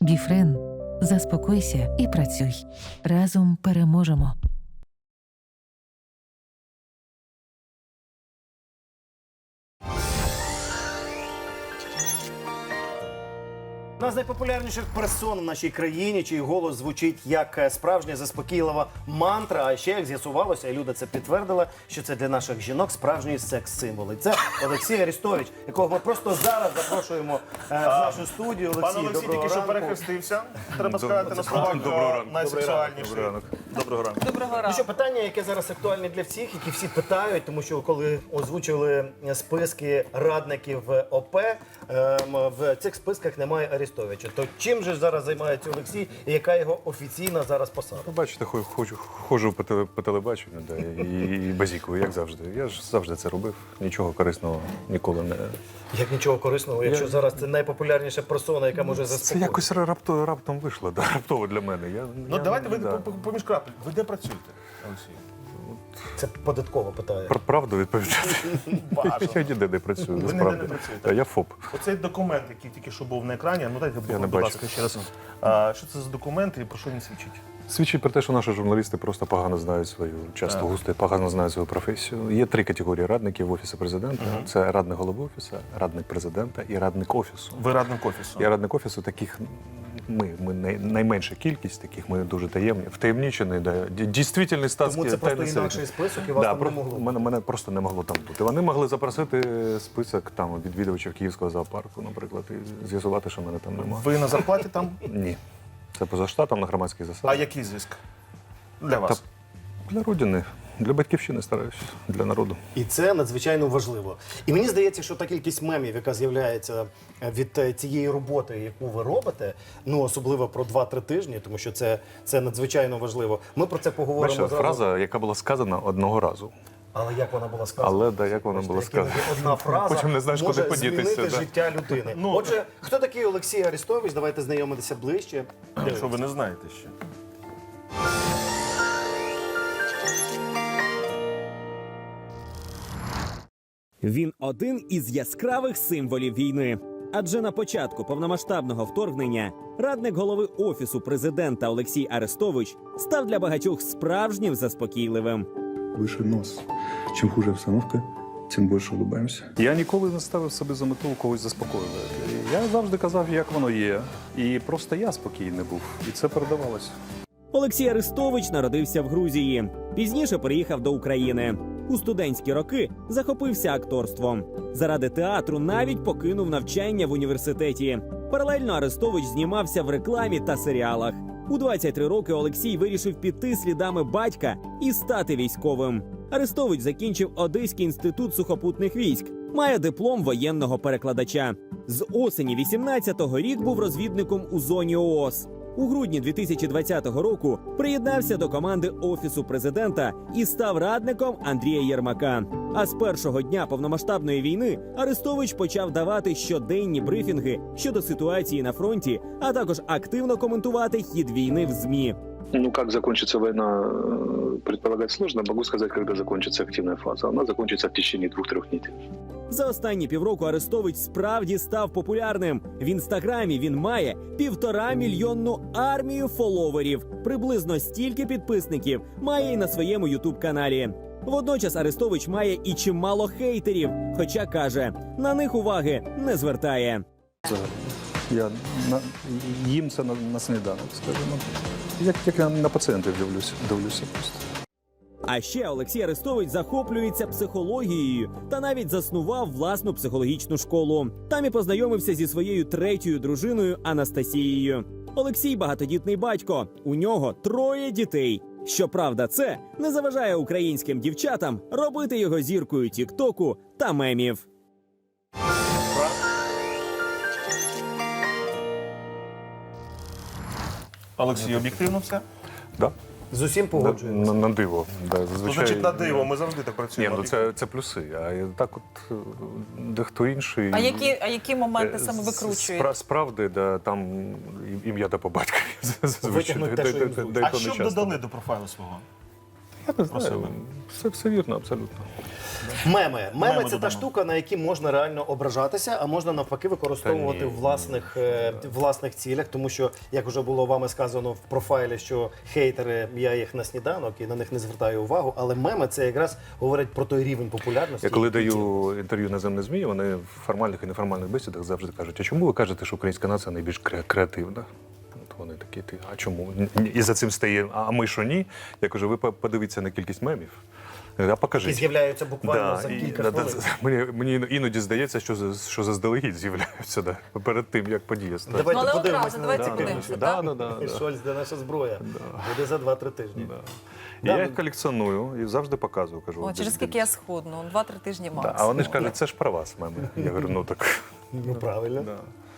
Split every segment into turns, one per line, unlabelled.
Біфрен. Заспокойся і працюй. Разом переможемо.
Одна з найпопулярніших персон в нашій країні, чий голос звучить як справжня заспокійлива мантра. А ще, як з'ясувалося, і Люда це підтвердила, що це для наших жінок справжній секс-символ. І це Олексій Арестович, якого ми просто зараз запрошуємо в нашу студію.
Пан Олексій тільки що перехрестився. Треба сказати на словах найсексуальніший. Доброго ранку.
Доброго
Ну
ранку.
що, питання, яке зараз актуальне для всіх, які всі питають, тому що коли озвучили списки радників ОП, в цих списках немає Арестовича. То чим же зараз займається Олексій і яка його офіційна зараз посада?
Ну, бачите, ходжу по телебаченню, да, і базікую, як завжди. Я ж завжди це робив. Нічого корисного ніколи не...
Як нічого корисного, якщо зараз це найпопулярніша персона, яка може
Це
заспокоїти.
якось раптом вийшло, да, раптово для мене.
Ну давайте ви
да.
поміж крапель. Ви де працюєте, Олексій?
Це податково питає.
Про правду відповідати.
Бажано.
Я ніде не працюю,
Ви ніде
насправді.
не працюєте?
Я ФОП.
Оцей документ, який тільки що був на екрані, ну дайте,
Я не
будь
бачу.
ласка, ще раз. Що це за документ і про що він свідчить?
Свідчить про те, що наші журналісти просто погано знають свою, часто густо погано знають свою професію. Є 3 категорії радників в Офісі президента. Це радник голови Офісу, радник президента і радник Офісу.
Ви радник Офісу.
Я радник Офісу, таких найменша кількість, таких ми дуже таємні, втаємничені, да, дійсний статський
Тому це просто
тайний
інакший
сервіс.
список і вас там не могло.
Мене просто не могло там бути. Вони могли запросити список там відвідувачів Київського зоопарку, наприклад, і з'ясувати, що мене там немає.
Ви на зарплаті там?
Ні. Це поза штатом на громадських засадах.
А який зиск? Для вас?
Для родини, для батьківщини стараюсь, для народу.
І це надзвичайно важливо. І мені здається, що та кількість мемів, яка з'являється від цієї роботи, яку ви робите, ну особливо про 2-3 тижні, тому що це надзвичайно важливо. Ми про це поговоримо
Бачите,
зразу.
фраза, яка була сказана одного разу.
Але як вона була сказана?
Але да, як вона була
Бачите, як
сказана.
іноді одна фраза
Потім не знаєш, куди
може
подітися,
змінити
да.
життя людини. Отже, хто такий Олексій Арестович? Давайте знайомитися ближче.
Якщо ви не знаєте ще.
Він один із яскравих символів війни. Адже на початку повномасштабного вторгнення радник голови Офісу президента Олексій Арестович став для багатьох справжнім заспокійливим.
Выше нос. Чем хуже обстановка, тем больше улыбаемся.
Я ніколи не ставив собі за мету когось заспокоювати. Я завжди казав, як воно є. І просто я спокійний був. І це передавалося.
Олексій Арестович народився в Грузії. Пізніше переїхав до України. У студентські роки захопився акторством. Заради театру навіть покинув навчання в університеті. Паралельно Арестович знімався в рекламі та серіалах. У 23 роки Олексій вирішив піти слідами батька і стати військовим. Арестович закінчив Одеський інститут сухопутних військ. Має диплом воєнного перекладача. З осені 18-го рік був розвідником у зоні ООС. У грудні 2020 року приєднався до команди Офісу президента і став радником Андрія Єрмака. А з першого дня повномасштабної війни Арестович почав давати щоденні брифінги щодо ситуації на фронті, а також активно коментувати хід війни в ЗМІ.
Ну, как закончится война, предполагать сложно. Могу сказать, когда закончится активная фаза. Она закончится в течение 2-3 недель.
За останні півроку Арестович справді став популярним. В інстаграмі він має 1,5-мільйонну армію фоловерів. Приблизно стільки підписників має і на своєму ютуб-каналі. Водночас Арестович має і чимало хейтерів, хоча каже, на них уваги не звертає.
Я їм це на сніданок, скажімо. Як я на пацієнтів дивлюся просто.
А ще Олексій Арестович захоплюється психологією та навіть заснував власну психологічну школу. Там і познайомився зі своєю 3-ю дружиною Анастасією. Олексій – багатодітний батько, у нього 3 дітей. Щоправда, це не заважає українським дівчатам робити його зіркою тік-току та мемів.
Олексій, об'єктивно все?
Да?
З усім погоджуємося.
На диво. Да, зазвичай...
Значить, на диво, ми завжди так
Ні,
працюємо.
ну це плюси. А так от дехто інший...
А які моменти саме викручуєте?
Справді, да, там ім'я та по батькові.
Витягнуть те, що їм зручно.
А що б додали до профайлу свого?
Я не знаю.
Просили.
Все вірно, абсолютно.
Меми. Меми
Меми
це та
додамо.
штука, на які можна реально ображатися, а можна навпаки використовувати
Та
в
ні.
власних цілях. Тому що, як вже було вами сказано в профайлі, що хейтери, я їх на сніданок і на них не звертаю увагу. Але меми це якраз говорить про той рівень популярності.
Я коли
який ці-
даю інтерв'ю наземне ЗМІ, вони в формальних і неформальних бесідах завжди кажуть, а чому ви кажете, що українська нація найбільш креативна? От вони такі, а чому? І за цим стає, а ми що ні? Я кажу, ви подивіться на кількість мемів. А покажіть.
Які з'являються буквально за кілька хвилин.
Мені іноді здається, що заздалегідь з'являються перед тим, як подія стане.
Давайте
Ну, але
подивимося.
одразу, давайте
на це.
подивимося.
Да.
Шольц, де наша зброя? Буде за 2-3 тижні.
Я їх колекціоную і завжди показую. Кажу,
О, через скільки я схудну? 2-3 тижні
Да,
максимум.
а вони ж кажуть, це ж про вас, меми. Я говорю, ну так.
Ну правильно.
Да.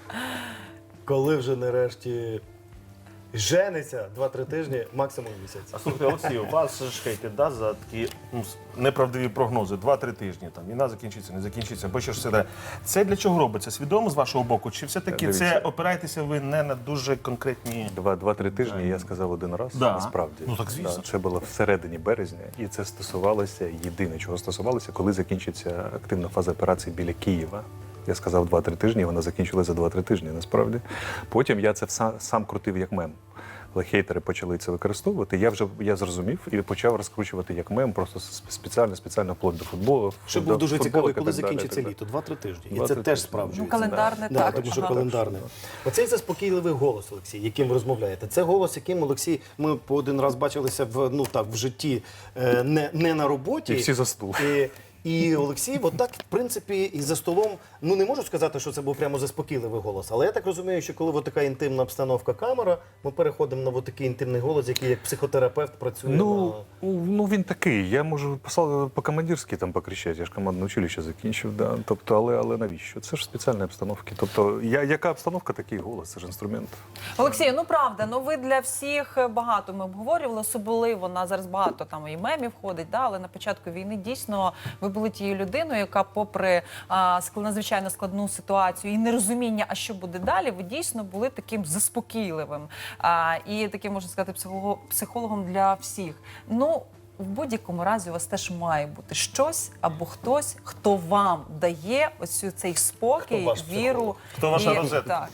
Коли вже нарешті жениться 2-3 тижні, максимум місяць.
А слухайте, Олексій, вас ж хейтять, да, за такі неправдиві прогнози, 2-3 тижні, там, війна закінчиться, не закінчиться, бо що ж все далі. Це для чого робиться? Свідомо з вашого боку? Чи все-таки
Дивіться.
це опираєтеся ви не на дуже конкретні...
2-3 тижні я сказав один раз,
Да.
насправді.
Ну, так, звісно.
Да, це було всередині березня, і це стосувалося, єдине, чого стосувалося, коли закінчиться активна фаза операції біля Києва. Я сказав 2-3 тижні, і вона закінчилася за 2-3 тижні, насправді. Потім я це сам крутив як мем. Але хейтери почали це використовувати. Я зрозумів і почав розкручувати як мем, просто спеціально вплоть до футболу.
Що
до
був дуже
футболок
цікавий,
і
коли
так далі,
закінчиться
і так
літо. 2-3 тижні. І
2-3
це
тижні.
теж справджується.
Ну, календарне
Да,
так.
тому що
ага.
календарне. Оцей заспокійливий голос, Олексій, яким ви розмовляєте. Це голос, яким, Олексій, ми по один раз бачилися в житті, не на роботі.
І всі за стул.
І Олексій, отак, в принципі, і за столом, ну не можу сказати, що це був прямо заспокійливий голос, але я так розумію, що коли така інтимна обстановка камера, ми переходимо на такий інтимний голос, який як психотерапевт працює.
Ну він такий. Я можу по-командирськи там покричати, я ж командне училище закінчив. Да. Тобто, але навіщо? Це ж спеціальні обстановки. Тобто, яка обстановка, такий голос, це ж інструмент.
Олексію, ну правда, ну ви для всіх багато ми обговорювали, особливо на зараз багато там і мемів ходить, да, але на початку війни дійсно ви були тією людиною, яка попри надзвичайно складну ситуацію і нерозуміння, а що буде далі, ви дійсно були таким заспокійливим і таким, можна сказати, психологом для всіх. Ну, в будь-якому разі у вас теж має бути щось або хтось, хто вам дає ось цей спокій,
Хто ваш
віру.
психолог?
Хто ваша
і-
розетка?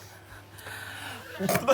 Так.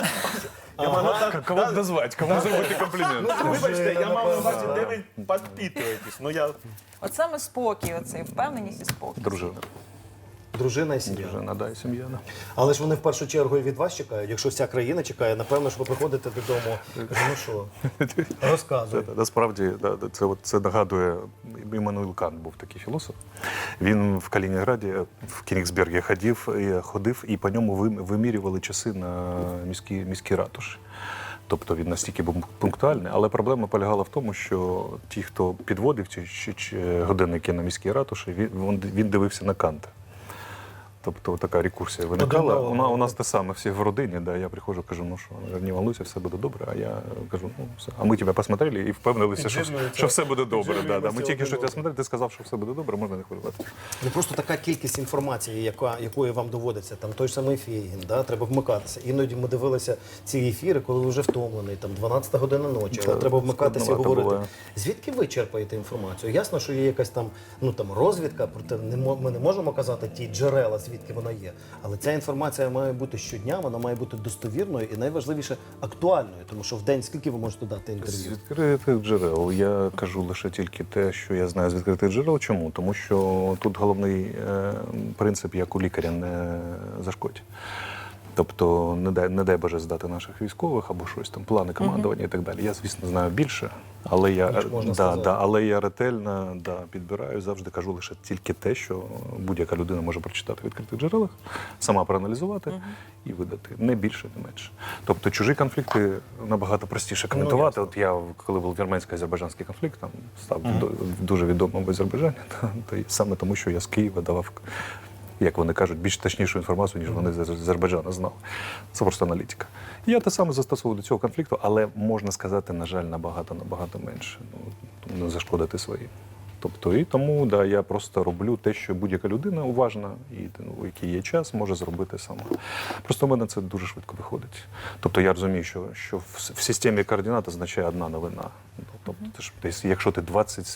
Кого назвати, кому зробити комплімент?
Ну, вибачте, я мав на увазі, де ви підпитуєтесь. Ну, я...
От саме спокій, оцей впевненість і спокій.
Дружина.
Дружина і сім'я.
Дружина, да, і сім'я. Да.
Але ж вони в першу чергу і від вас чекають. Якщо вся країна чекає, напевно, що ви приходите додому. Ну що, розказуй.
Насправді, це нагадує, Іммануїл Кант був такий філософ. Він в Калінінграді, в Кінігсбергі ходив і по ньому вимірювали часи на міській ратуші. Тобто він настільки був пунктуальний, але проблема полягала в тому, що ті, хто підводив ці годинники на міській ратуші, він дивився на Канта. Тобто така рекурсія виникала. У нас те саме, всі в родині. Да, я приходжу, кажу, ну що, не волнуйся, все буде добре. А я кажу, ну все. А ми тебе посмотрели і впевнилися, що все буде добре. Да. Ми тільки що тебе смотрели, ти сказав, що все буде добре, можна не хвилювати.
Ну просто така кількість інформації, якою вам доводиться, там той ж самий Фейгін, да, треба вмикатися. Іноді ми дивилися ці ефіри, коли ви вже втомлений, там 12 година ночі, але треба вмикатися і
складновато
говорити.
буває.
Звідки ви черпаєте інформацію? Ясно, що є якась там, розвідка, проте ми не можемо казати ті джерела, звідки вона є. Але ця інформація має бути щодня, вона має бути достовірною і найважливіше актуальною, тому що в день скільки ви можете дати
З
інтерв'ю?
відкритих джерел. Я кажу лише тільки те, що я знаю з відкритих джерел. Чому? Тому що тут головний принцип, як у лікаря, не зашкодь. Тобто не дай Боже здати наших військових або щось там, плани командування і так далі. Я, звісно, знаю більше, але я ретельно підбираю, завжди кажу лише тільки те, що будь-яка людина може прочитати в відкритих джерелах, сама проаналізувати і видати. Не більше, не менше. Тобто чужі конфлікти набагато простіше коментувати. От я, коли був вірменсько-азербайджанський конфлікт, там став дуже відомим в Азербайджані, то саме тому, що я з Києва давав, як вони кажуть, більш точнішу інформацію, ніж вони з Азербайджану знали. Це просто аналітика. І я те саме застосовував до цього конфлікту, але, можна сказати, на жаль, набагато менше. Не зашкодити своїм. Тобто, і тому, я просто роблю те, що будь-яка людина уважна, і у який є час, може зробити сама. Просто в мене це дуже швидко виходить. Тобто я розумію, що в системі координат означає одна новина. Тобто, ти ж, якщо ти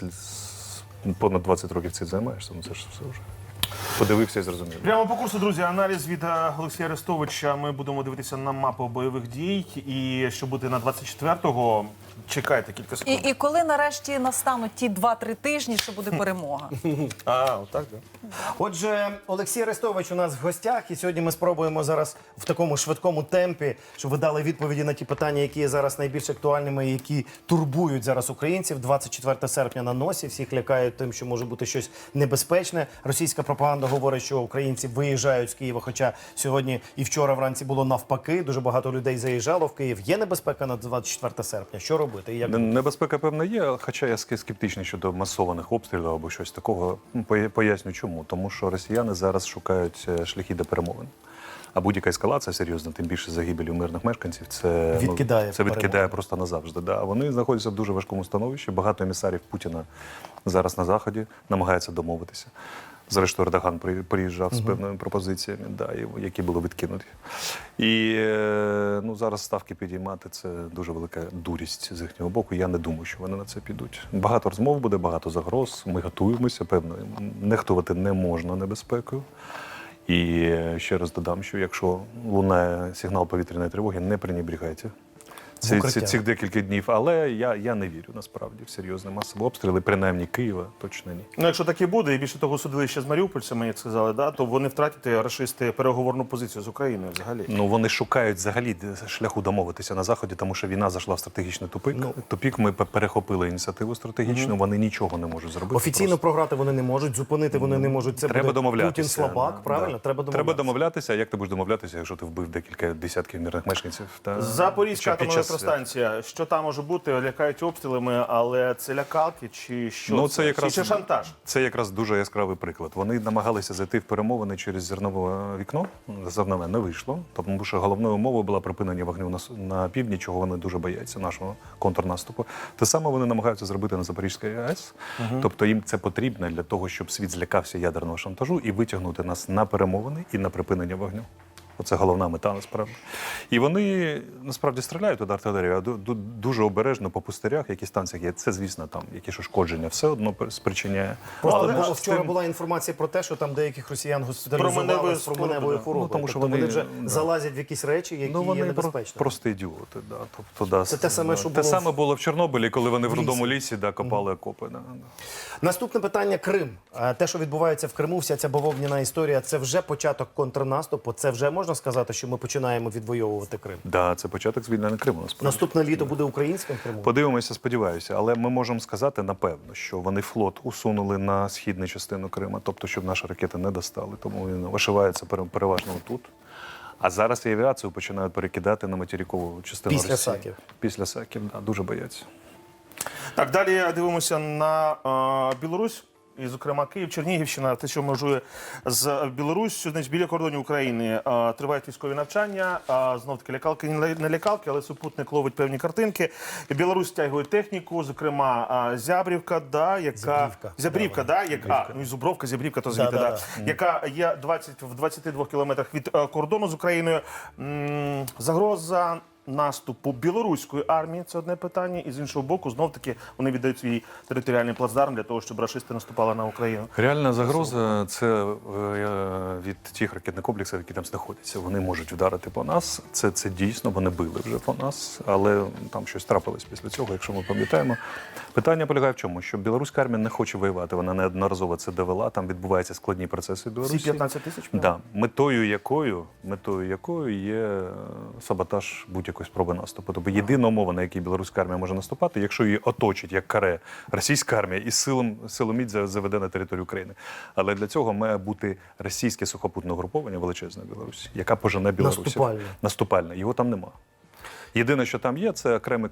понад 20 років цим займаєшся, ну це ж все вже. Подивився і зрозумів.
Прямо по курсу, друзі, аналіз від Олексія Арестовича. Ми будемо дивитися на мапу бойових дій. І що буде на 24-го, чекайте кілька секунд.
І коли нарешті настануть ті 2-3 тижні, що буде перемога?
Отак, так?
Отже, Олексій Арестович у нас в гостях, і сьогодні ми спробуємо зараз в такому швидкому темпі, щоб ви дали відповіді на ті питання, які є зараз найбільш актуальними, і які турбують зараз українців. 24 серпня на носі, всіх лякають тим, що може бути щось небезпечне. Російська пропаганда говорить, що українці виїжджають з Києва, хоча сьогодні і вчора вранці було навпаки. Дуже багато людей заїжджало в Київ. Є небезпека на 24 серпня? Що робити? І як
Небезпека, певно, є, хоча я скептичний щодо масованих обстрілів або щось такого. Поясню чому. Тому що росіяни зараз шукають шляхи до перемовин. А будь-яка ескалація серйозна, тим більше загибелі мирних мешканців, це відкидає просто назавжди. Да. Вони знаходяться в дуже важкому становищі. Багато емісарів Путіна зараз на Заході намагаються домовитися. Зрештою, Ердоган приїжджав з певними пропозиціями, які були відкинуті. І зараз ставки підіймати – це дуже велика дурість з їхнього боку. Я не думаю, що вони на це підуть. Багато розмов буде, багато загроз. Ми готуємося, певно. Нехтувати не можна небезпекою. І ще раз додам, що якщо лунає сигнал повітряної тривоги, не пренебрігайте цих декілька днів. Але я не вірю, насправді, в серйозні масові обстріли, принаймні Києва, точно ні.
Ну, якщо так і буде, і більше того судилище з маріупольцями, як сказали, то вони втратять рашисти переговорну позицію з Україною взагалі.
Ну, вони шукають взагалі шляху домовитися на Заході, тому що війна зайшла в стратегічний тупик. Тупік, ми перехопили ініціативу стратегічну, вони нічого не можуть зробити.
Офіційно програти вони не можуть, зупинити вони не можуть. Це
треба
буде
домовлятися.
Путін слабак, правильно?
Треба домовлятися. А як ти будеш домовлятися, якщо ти вбив декілька десятків мирних мешканців?
Запорізька атомна електростанція. Що там може бути? Лякають обстрілами, але це лякалки чи що?
Ну, це якраз,
чи шантаж?
Це якраз дуже яскравий приклад. Вони намагалися зайти в перемовини через зернове вікно. Зернове не вийшло, тому що головною умовою була припинення вогню на півдні, чого вони дуже бояться, нашого контрнаступу. Те саме вони намагаються зробити на Запорізькій АЕС. Тобто їм це потрібно для того, щоб світ злякався ядерного шантажу і витягнути нас на перемовини і на припинення вогню. Оце головна мета, насправді. І вони, насправді, стріляють від артилерії, а дуже обережно по пустирях, які станціях є. Це, звісно, там якісь ушкодження все одно спричиняє.
Просто вчора була інформація про те, що там деяких росіян госпіталізували з променевою хворобою.
Тому що
вони вже залазять в якісь речі, які є небезпечними.
Просто ідіоти. Да. Тобто,
це те саме, що
те саме було в Чорнобилі, коли вони в рудому лісі копали окопи.
Наступне питання – Крим. Те, що відбувається в Криму, вся ця бавовняна історія, це вже початок контрнаступу, це вже можна сказати, що ми починаємо відвоювати Крим?
Так, це початок звільнення Криму, насправді.
Наступне літо буде українським Кримом?
Подивимося, сподіваюся. Але ми можемо сказати, напевно, що вони флот усунули на східну частину Криму, тобто, щоб наші ракети не достали. Тому він ошивається переважно тут. А зараз і авіацію починають перекидати на материкову частину Росії.
Після Саків?
Після Саків, так, дуже бояться.
Так, далі дивимося на Білорусь. І, зокрема, Київ, Чернігівщина, те, що межує з Білоруссю, значить, біля кордонів України тривають військові навчання. Знов-таки лякалки, не лякалки, але супутник ловить певні картинки. Білорусь стягує техніку, зокрема, Зябрівка, Зябрівка, і Зубровка, Зябрівка, то звідти, яка є в 22 кілометрах від кордону з Україною. Загроза наступу білоруської армії – це одне питання, і з іншого боку, знов-таки, вони віддають свій територіальний плацдарм для того, щоб рашисти наступали на Україну.
Реальна загроза – це від тих ракетних комплексів, які там знаходяться. Вони можуть вдарити по нас. Це дійсно, вони били вже по нас, але там щось трапилось після цього, якщо ми пам'ятаємо. Питання полягає в чому? Що білоруська армія не хоче воювати, вона неодноразово це довела, там відбуваються складні процеси в Білорусі.
Всі 15 тисяч?
Да. Метою якою є саботаж будь-якої спроби наступу. Тобто єдина умова, на якій білоруська армія може наступати, якщо її оточить, як каре, російська армія і силоміць заведе на територію України. Але для цього має бути російське сухопутне угруповання величезне в Білорусі, яка пожене білорусів. Наступальне. Його там нема. Єдине, що там є, це окремі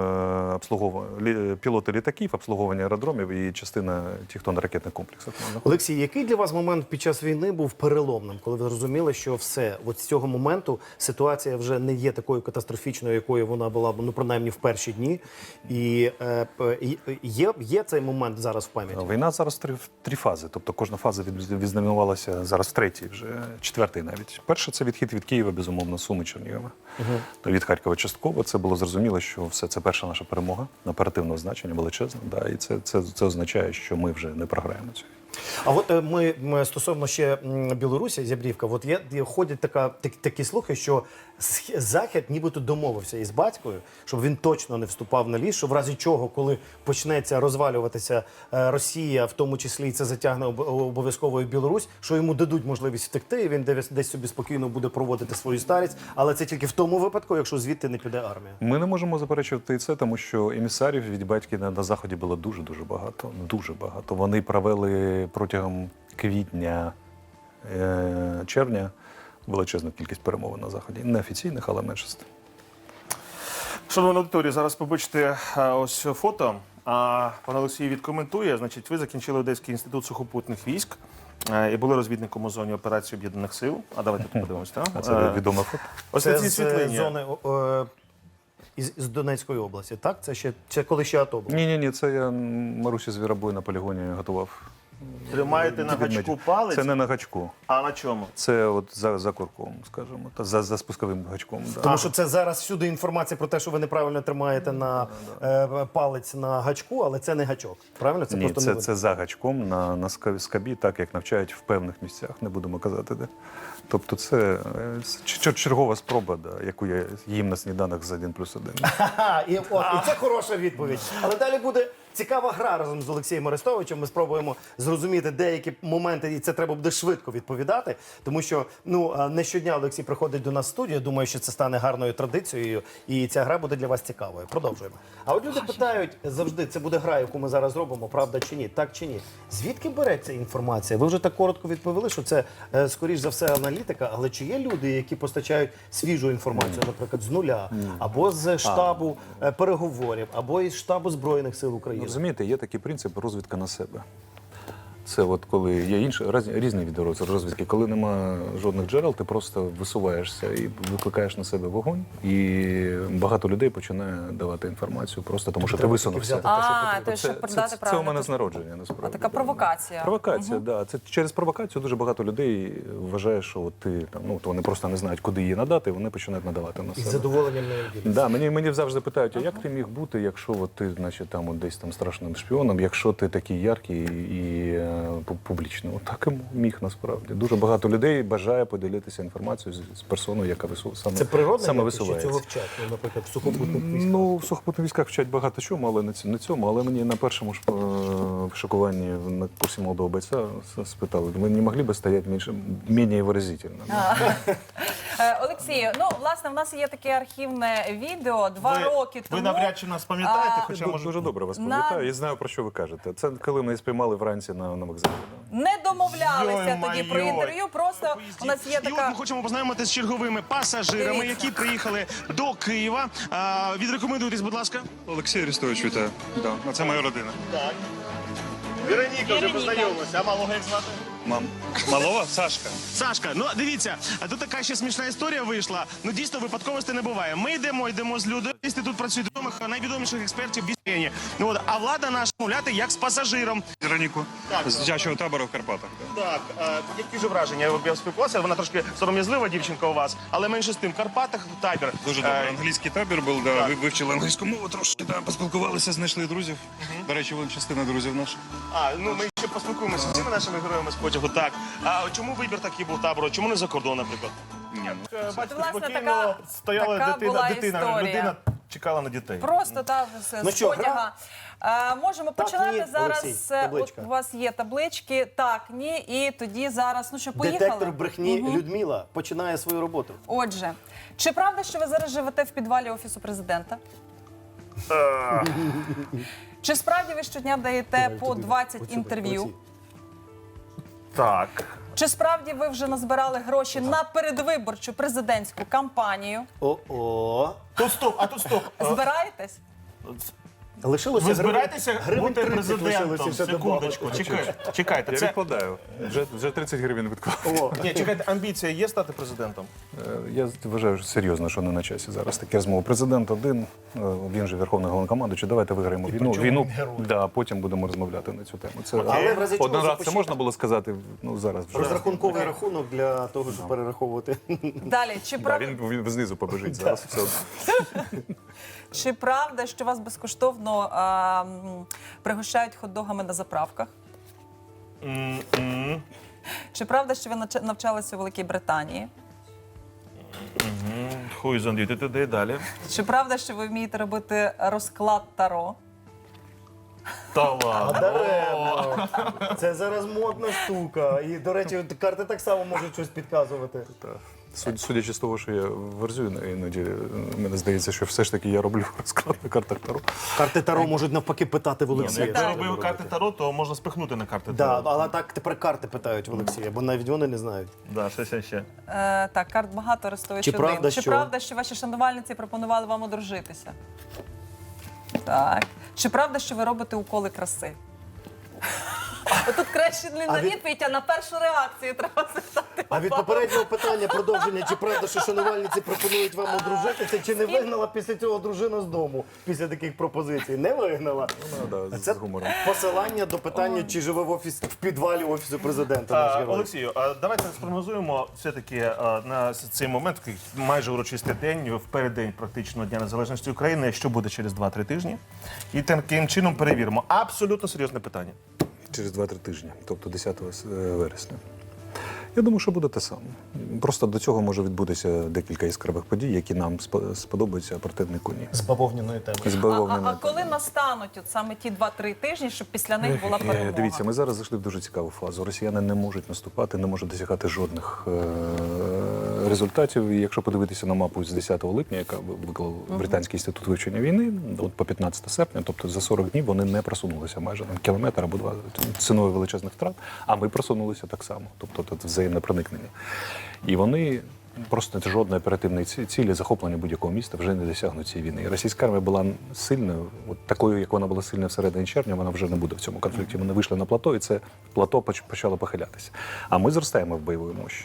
пілоти літаків, обслуговування аеродромів і частина тих, хто на ракетних комплексах.
Олексій, який для вас момент під час війни був переломним, коли ви зрозуміли, що все, от з цього моменту ситуація вже не є такою катастрофічною, якою вона була, ну, принаймні, в перші дні, і є цей момент зараз в пам'яті?
Війна зараз три фази, тобто кожна фаза відзнаменувалася зараз в третій, вже четвертий навіть. Перша – це відхід від Києва, безумовно, Суми, Чернігова, від Харкова частково. частково це було зрозуміло, що все це перша наша перемога оперативного значення, величезна. Да, і це означає, що ми вже не програємо цю.
А от ми стосовно ще Білорусі, Зябрівка, от ходять такі слухи, що Захід нібито домовився із батькою, щоб він точно не вступав на ліс, що в разі чого, коли почнеться розвалюватися Росія, в тому числі і це затягне обов'язково і Білорусь, що йому дадуть можливість втекти, і він десь собі спокійно буде проводити свою старість, але це тільки в тому випадку, якщо звідти не піде армія.
Ми не можемо заперечувати і це, тому що емісарів від батьки на Заході було дуже-дуже багато. Дуже багато. Вони провели протягом квітня, червня величезну кількість перемовин на Заході. Неофіційних, але меншості.
Шановна аудиторія, зараз побачите ось фото. Пан Олексій відкоментує. Значить, ви закінчили Одеський інститут сухопутних військ і були розвідником у зоні операції Об'єднаних сил. А давайте тут подивимось, так?
А це відоме фото?
Ось на
Це
цій
з
світлині.
зони з Донецької області, так? Це коли ще АТО було?
Ні, це я Марусі Звіробой на полігоні готував.
Тримаєте на гачку
Відмедів.
палець,
Це не на гачку.
а на чому?
Це от за курком, скажімо, та за спусковим гачком. Да.
Тому що це зараз всюди інформація про те, що ви неправильно тримаєте на палець на гачку, але це не гачок. Правильно? Це
Ні,
просто
це за гачком на скабі, так як навчають в певних місцях, не будемо казати де. Тобто це чергова спроба, да, яку я їм на сніданок з 1+1.
Ха-ха, і це хороша відповідь. Але далі буде цікава гра разом з Олексієм Арестовичем. Ми спробуємо зрозуміти деякі моменти, і це треба буде швидко відповідати. Тому що не щодня Олексій приходить до нас в студію. Думаю, що це стане гарною традицією, і ця гра буде для вас цікавою. Продовжуємо. А от люди питають завжди, це буде гра, яку ми зараз зробимо, правда чи ні? Так чи ні? Звідки береться інформація? Ви вже так коротко відповіли, що це, скоріш за все, аналітика. Але чи є люди, які постачають свіжу інформацію, наприклад, з нуля, або з штабу переговорів, або із штабу Збройних сил України?
Розумієте, є такий принцип розвідка на себе. Це от коли є різні види розвідки. Коли нема жодних джерел, ти просто висуваєшся і викликаєш на себе вогонь, і багато людей починає давати інформацію просто тому, що ти висунувся.
то щоб продати
Це у
правильно.
мене з народження, насправді.
Така провокація.
Провокація, да. Це через провокацію дуже багато людей вважає, що от ти там, вони просто не знають, куди її надати, і вони починають надавати на
І
себе.
з задоволенням не діляться.
Да, мені завжди питають, а як ти міг бути, якщо от ти, значить, там от десь там страшним шпіоном, якщо ти такий яркий і публічний. От так і міг насправді. Дуже багато людей бажає поділитися інформацією з персоною, яка
Це природне,
саме
якось, чи
висувається.
цього вчать, наприклад, в сухопутних військах?
Ну, в сухопутних військах вчать багато чому, але не цьому. Але мені на першому ж шокуванні на курсі молодого бойця спитали, ви не могли б стояти менш виразительно?
Олексію, власне, в нас є таке архівне відео 2 роки тому.
Ви навряд чи нас пам'ятаєте, хоча
Я
може...
дуже добре вас пам'ятаю і знаю, про що ви кажете. Це коли ми спіймали вранці на вокзалі.
Не домовлялися
Йой-майой.
тоді про інтерв'ю, просто у нас є
І от
така...
ми хочемо познайомитися з черговими пасажирами,
Дивіться.
які приїхали до Києва. Відрекомендуйтесь, будь ласка.
Олексій Арестович, вітаю. Да. Це моя родина.
Вероніка вже познайомилася, а малого як звати?
Мам. Малова? Сашка.
Сашка, дивіться, а тут така ще смішна історія вийшла. Дійсно, випадковості не буває. Ми йдемо з людьми. Тут працюють найвідоміших експертів в бізнесі. А влада наша мовляти як з пасажиром.
Вероніку. З дитячого табору в Карпатах.
Так, які ж враження? Я спілкувався, вона трошки сором'язлива дівчинка у вас, але менше з тим, в Карпатах табір.
Дуже добре. Англійський табір був, да. Вивчили англійську мову трошки, да. Поспілкувалися, знайшли друзів. До речі, вон частина друзів наших.
Ми ще поспілкуємося з цими нашими героями з потягу. Так. А чому вибір такий був табору? Чому не за кордон, наприклад?
Ні,
Бачите,
власне,
спокійно стояла
така була
дитина,
історія.
людина чекала на дітей.
Просто з
що,
потяга. Можемо
Так,
починати
ні,
зараз.
Олексій, табличка.
От у вас є таблички, так, ні, і тоді зараз, поїхали?
Детектор брехні Людмила починає свою роботу.
Отже, чи правда, що ви зараз живете в підвалі Офісу Президента? Чи справді ви щодня даєте по 20 інтерв'ю?
Так.
Чи справді ви вже назбирали гроші на передвиборчу президентську кампанію?
О-о.
Тут стоп, а тут стоп.
Збираєтесь?
Лишилося
Ви збираєтеся
гривень
бути
30
президентом?
лишилося ще
Секундочку,
добавити.
чекайте.
Я
Це...
відкладаю. Вже 30 гривень відклав.
О,
Ні, чекайте, амбіція є стати президентом?
Я вважаю серйозно, що не на часі зараз такі розмови. Президент один, він же Верховний Головнокомандуючий, давайте виграємо війну.
причому він герой.
Да, потім будемо розмовляти на цю тему. Це
Але в разі чого
один раз це
запишіть.
можна було сказати, ну зараз вже.
розрахунковий рахунок для того, щоб перераховувати.
Далі, чи
Да,
правда,
він знизу побежить зараз. Все одно.
чи правда, що вас безкоштовно пригощають хот-догами на заправках? Чи правда, що ви навчалися у Великій Британії?
Хуй зондіти туди далі.
Чи правда, що ви вмієте робити розклад Таро?
Та ладно.
Даремно. Це зараз модна штука. І, до речі, карти так само можуть щось підказувати.
Судячи з того, що я верзую іноді, мені здається, що все ж таки я роблю розклад на картах Таро.
Карти Таро можуть навпаки питати в Олексія.
Якби
що
робив
треба
карти
робити.
Таро, то можна спихнути на карти
Да,
Таро.
але так тепер карти питають в Олексія, бо навіть вони не знають.
Да, ще.
Так, карт багато, Арестович
Чи
один.
правда,
Чи
що-
правда, що ваші шанувальниці пропонували вам одружитися? Так. Чи правда, що ви робите уколи краси? Отут краще не на відповідь, а на першу реакцію треба запитати.
А від попереднього питання продовження, чи правда, що шанувальниці пропонують вам одружитися, чи не вигнала після цього дружина з дому, після таких пропозицій? Не вигнала?
Да,
Це
з гумором.
посилання до питання, чи живе в підвалі Офісу Президента наш герой.
Олексію, давайте спрогнозуємо все-таки на цей момент, такий майже урочистий день, в переддень практично Дня Незалежності України, що буде через 2-3 тижні. І таким чином перевіримо. Абсолютно серйозне питання.
Через 2-3 тижні, тобто 10 вересня. Я думаю, що буде те саме. Просто до цього може відбутися декілька яскравих подій, які нам сподобаються, а противнику ні.
З бавовняної теми.
З
А
бавовняною
коли настануть от саме ті 2-3 тижні, щоб після них була перемога?
Дивіться, ми зараз зайшли в дуже цікаву фазу. Росіяни не можуть наступати, не можуть досягати жодних результатів. І якщо подивитися на мапу з 10 липня, яка виклав Британський інститут вивчення війни, от по 15 серпня, тобто за 40 днів вони не просунулися майже на кілометр або два ціною величезних втрат, а ми просунулися так само. Тобто тут взаємне проникнення. І вони просто жодної оперативної цілі захоплення будь-якого міста вже не досягнуть цієї війни. І російська армія була сильною, от такою, як вона була сильна всередині червня, вона вже не буде в цьому конфлікті. Вони вийшли на плато, і це плато почало похилятися. А ми зростаємо в бойовій мощі.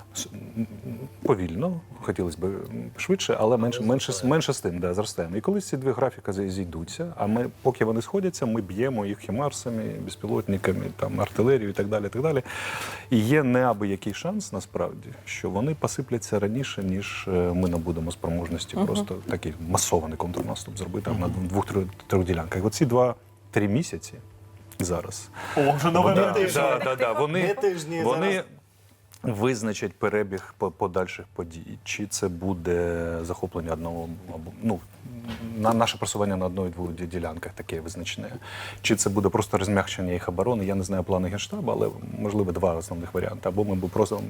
Повільно, хотілося б швидше, але менше з тим, да, зростаємо. І коли ці дві графіки зійдуться, а ми, поки вони сходяться, ми б'ємо їх хімарсами, безпілотниками, там, артилерією і так далі, так далі. І є неабиякий шанс, насправді, що вони посипляться раніше, ніж ми набудемо спроможності просто такий масований контрнаступ зробити на 2-3 ділянках. Оці 2-3 місяці зараз.
О, вже нове
Да,
тиждень.
Не тижні
Вони
зараз.
визначать перебіг подальших подій. Чи це буде захоплення одного, або наше просування на одної-двох ділянках таке визначне. Чи це буде просто розм'якшення їх оборони? Я не знаю плани Генштабу, але можливо два основних варіанти. Або ми просто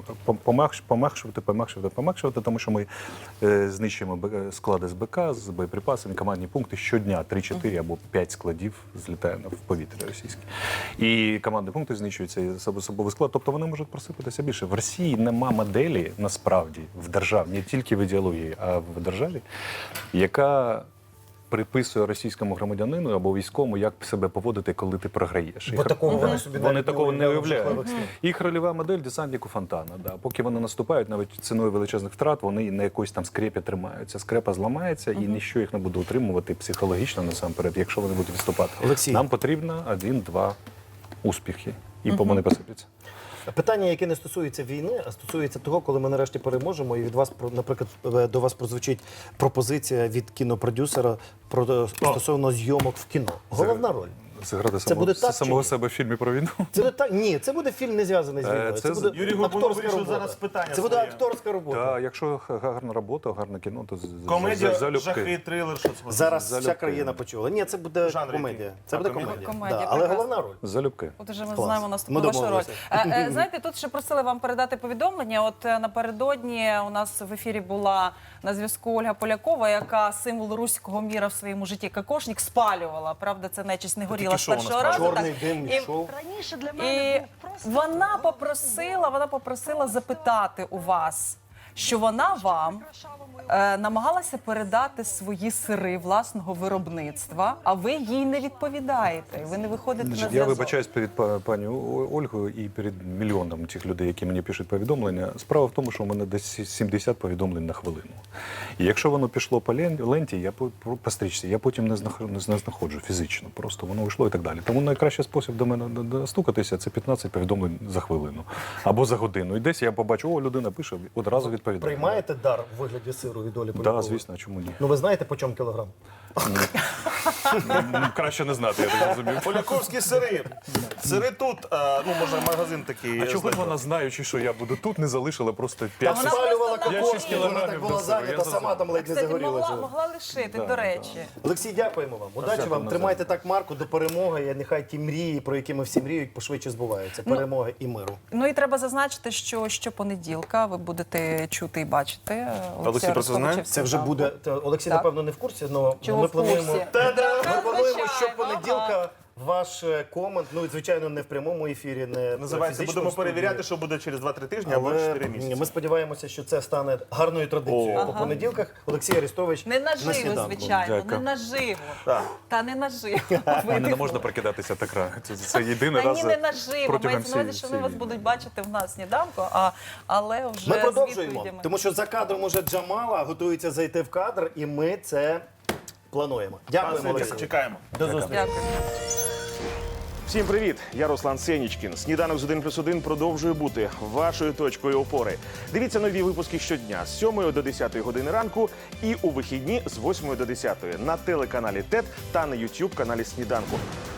пом'якшувати, тому що ми знищуємо склади з БК, з боєприпасами, командні пункти щодня 3-4 або 5 складів злітає в повітря російське. І командні пункти знищуються, і особовий склад. Тобто вони можуть просипатися більше. В Росії нема моделі, насправді, в державі, не тільки в ідеології, а в державі, яка приписує російському громадянину або військовому, як себе поводити, коли ти програєш.
Бо такого вони собі
Вони
навіть
такого не
уявляють.
уявляють. Їх рольова модель десантнику Фонтана. Да. Поки вони наступають, навіть ціною величезних втрат, вони на якоїсь там скрепі тримаються. Скрепа зламається, і ніщо їх не буде утримувати психологічно насамперед, якщо вони будуть відступати.
Олексій.
Нам потрібно 1-2 успіхи, і вони посипляться.
Питання, яке не стосується війни, а стосується того, коли ми нарешті переможемо, і від вас, наприклад, до вас прозвучить пропозиція від кінопродюсера стосовно зйомок в кіно. Головна роль.
Зіграти
буде так,
самого
чи ні?
себе в фільмі про війну.
Це не так. Ні, це буде фільм не зв'язаний з війною.
це
Це буде
Юрій Горбунов
акторська
вирішив
робота.
зараз питання
Це буде
своє.
акторська робота.
Так, якщо гарна робота, гарне кіно, то
Комедія,
залюбки.
жахи, трилер, що це?
Зараз вся
Залюбки.
країна почула. Ні, це буде
Жанр
комедія.
який?
Це
А,
буде
комедія?
комедія. Да, але
прекрасно.
головна роль.
Залюбки.
От уже ми
Клас.
знаємо
Ми
наступну вашу роль.
домовилися.
Знаєте, тут ще просили вам передати повідомлення. От напередодні у нас в ефірі була на зв'язку Ольга Полякова, яка символ руського міра в своєму житті кокошник спалювала. Правда, це нечисть не горіла з
що вона
першого разу.
Чорний
так.
дим
І-
йшов.
І вона попросила запитати у вас, що вона вам намагалася передати свої сири власного виробництва, а ви їй не відповідаєте. Ви не виходите на
Значить,
зв'язок.
я вибачаюсь перед пані Ольгою і перед мільйоном тих людей, які мені пишуть повідомлення. Справа в тому, що у мене десь 70 повідомлень на хвилину. І якщо воно пішло по ленті, по стрічці, я потім не знаходжу фізично. Просто воно йшло і так далі. Тому найкращий спосіб до мене достукатися – це 15 повідомлень за хвилину або за годину. І десь я побачу, о, людина пише, одразу відповідає.
Приймаєте дар в вигляді сиру від Олі
Так,
Полякової?
звісно, чому ні?
Ну ви знаєте, по чому кілограм?
Краще не знати, я так розумію.
Поляковські сири. Сири тут, ну, може, магазин такий.
А чого ж вона, знаючи, що я буду тут, не залишила просто 5
вона
Спалювала
просто
кокос,
шість
вона так
кілограмів
була
до сиру,
зайнята,
я
сама там ледь не
Кстати,
загорілася.
могла лишити, до речі.
Олексій, дякуємо вам. Удачі
Дякую
вам.
навзаєм.
Тримайте так марку до перемоги. І нехай ті мрії, про які ми всі мріють, пошвидше збуваються. Перемоги і миру.
Ну і треба зазначити, що щопонеділка ви будете чути і бачити.
Олексій про це знає?
Це вже буде. Олексій,
Так.
напевно, не в курсі, але
Чого
ми
в курсі?
плануємо. Ми плануємо, що
Звичайно,
понеділка ваш комент, ну і звичайно, не в прямому ефірі, не
Називається,
фізично
будемо
в студії.
перевіряти, що буде через 2-3 тижні або
Але
4 місяці.
ми сподіваємося, що це стане гарною традицією по понеділках. Олексій Арестович
Не
на
наживо,
сніданку.
звичайно,
Дякую.
не наживо.
Так.
Та не наживо.
Мене не можна прокидатися так рано. Це єдиний
Та
раз
ні, не наживо.
протягом
Мається на увазі, що вони вас будуть бачити в нас сніданку, але вже
Ми
з
продовжуємо,
відповідями.
тому що за кадром уже Джамала готується зайти в кадр, і ми це плануємо. Дякуємо, Олексій.
Чекаємо.
До зустрічі.
Дякую.
Всім привіт! Я Руслан Сенічкін. Сніданок з 1+1 продовжує бути вашою точкою опори. Дивіться нові випуски щодня з 7 до 10 години ранку і у вихідні з 8 до 10 на телеканалі ТЕТ та на YouTube каналі Сніданку.